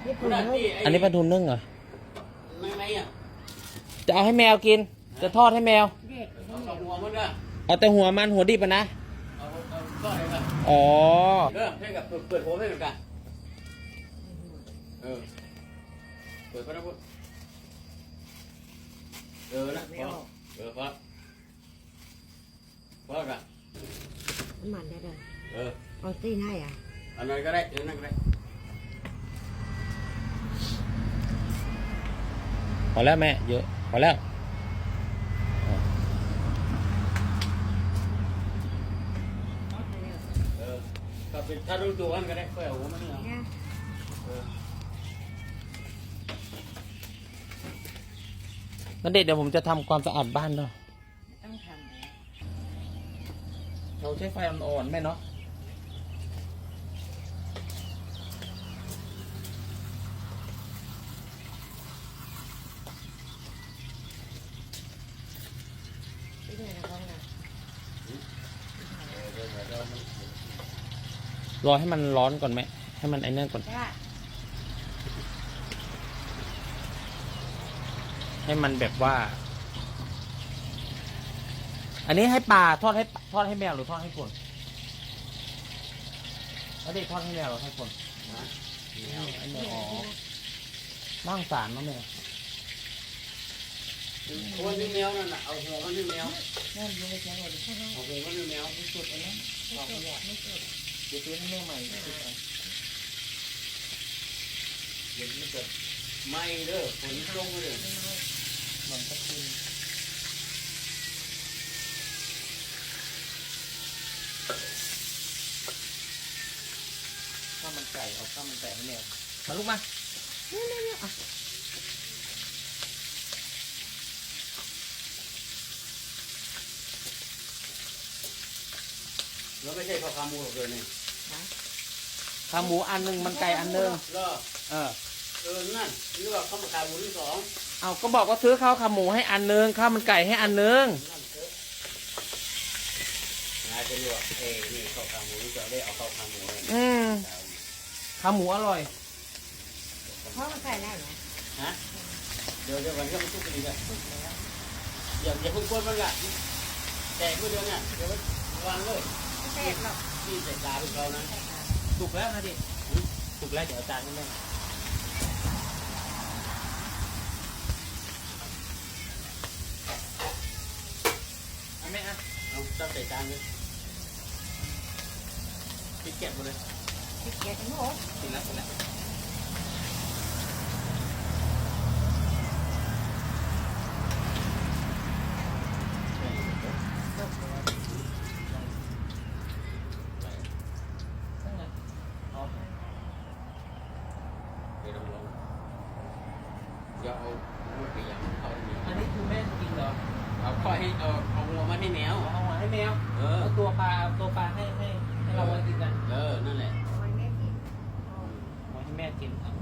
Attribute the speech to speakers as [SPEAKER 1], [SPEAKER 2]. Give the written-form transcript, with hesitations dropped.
[SPEAKER 1] อันนี้ปลาทูนึ่งเหรอ
[SPEAKER 2] ไม่อ่ะ
[SPEAKER 1] จะเอาให้แมวกินจะทอดให้แมว
[SPEAKER 2] เอาหัวมันก็
[SPEAKER 1] เอาแต่หัวมันหัวดิบอะนะ
[SPEAKER 2] เอาก็เลยกัน
[SPEAKER 1] อ๋อ
[SPEAKER 2] ให้กับเปิดหัวให้เหมือนกันเปิดพระพุทธนะพอกัน
[SPEAKER 3] มันได้เลย
[SPEAKER 2] เออ
[SPEAKER 3] เอาตีให้อ่ะ
[SPEAKER 2] อันนั้นก็ได้นั่นก็ได้
[SPEAKER 1] พอแล้วแม่เยอะพอแล้ว
[SPEAKER 2] ก็เป็นถ้ารู้ตัวกันก็ได้ค่อยเอาหัวมันนี่เอา
[SPEAKER 1] นั่นเดี๋ยวผมจะทำความสะอาดบ้านด้วย
[SPEAKER 3] ต้องทำ
[SPEAKER 1] เราใช้ไฟอ่อนๆแม่เนาะรอให้มันร้อนก่อนไหมให้มันไอ้นั่นก่อนให้มันแบบว่าอันนี้ให้ปลาทอดให้แมวหรือทอดให้คนแล้วเด็กทอดให้แมวหรือให้คนไอ้แมวอ๋อน่างสารมั้งแมว
[SPEAKER 2] หัวนี่แมวนั่นน่ะเอาหัวมันนี่แมว
[SPEAKER 3] นั่นยังไม่ใช่เลย
[SPEAKER 2] เอาหัวมันนี่แมว
[SPEAKER 3] ไม่สุดเลยนะไม่สุด
[SPEAKER 1] เดี๋ยวซื้อให้แม่ใหม่
[SPEAKER 2] เดี๋ยวมันจะไม่เด้อฝนลงเลย
[SPEAKER 1] มันก็ขึ้นข้าวมันไก่เอาข้าวมันไก่ให้แมวมาลูกมาเนี่ย
[SPEAKER 2] แล้วไม่ใช่ข้าวขาหมูหรอกเลยนี่
[SPEAKER 1] ขาหมูอันหนึ่งมันไก่อันหนึ่ง
[SPEAKER 2] นั่นนี่ว่าข้าวขาหมูที่สอง
[SPEAKER 1] เอาก็บอกว่าซื้อข้าวขาหมูให้อันหนึ่งข้าวมันไก่ให้อันหนึ่ง
[SPEAKER 2] นายจะรู้ว่านี่ข้าวขาหมูจะได้เอาข้าวขาหมู
[SPEAKER 1] ขาหมูอร่อย
[SPEAKER 3] เพราะมันใส่ได้ไหม
[SPEAKER 2] ฮะเดี๋ยววันนี้มันทุกปีกันอย่าเพิ่งกวนมันละแต่เมื่อเดือนน่ะเดี๋ยววางเลย
[SPEAKER 3] แตกหรอก
[SPEAKER 2] ที่ใส่ตาเป็นเรานะ
[SPEAKER 1] สุกแล้วนะดิสุกแล้วเดี๋ยวอาจารย์ให้แม่เอาแม่
[SPEAKER 2] เอาตั้งใส่จานเลยพริกแกะหมดเลย
[SPEAKER 3] พริกแกะทั้งหมด
[SPEAKER 1] กินแล้ว
[SPEAKER 2] อย่าเอาลูกไปยังเอาที่
[SPEAKER 1] อันนี้คือแม่กินเหรอ
[SPEAKER 2] เอาค่อยให้เอาหัวมันให้แมว
[SPEAKER 1] เอาหัวให้แมวเอาตัวปลาให้เราไว้กินกัน
[SPEAKER 2] นั่นแหละ
[SPEAKER 3] เอาไว้แม่กิน
[SPEAKER 1] เอาให้แม่กิน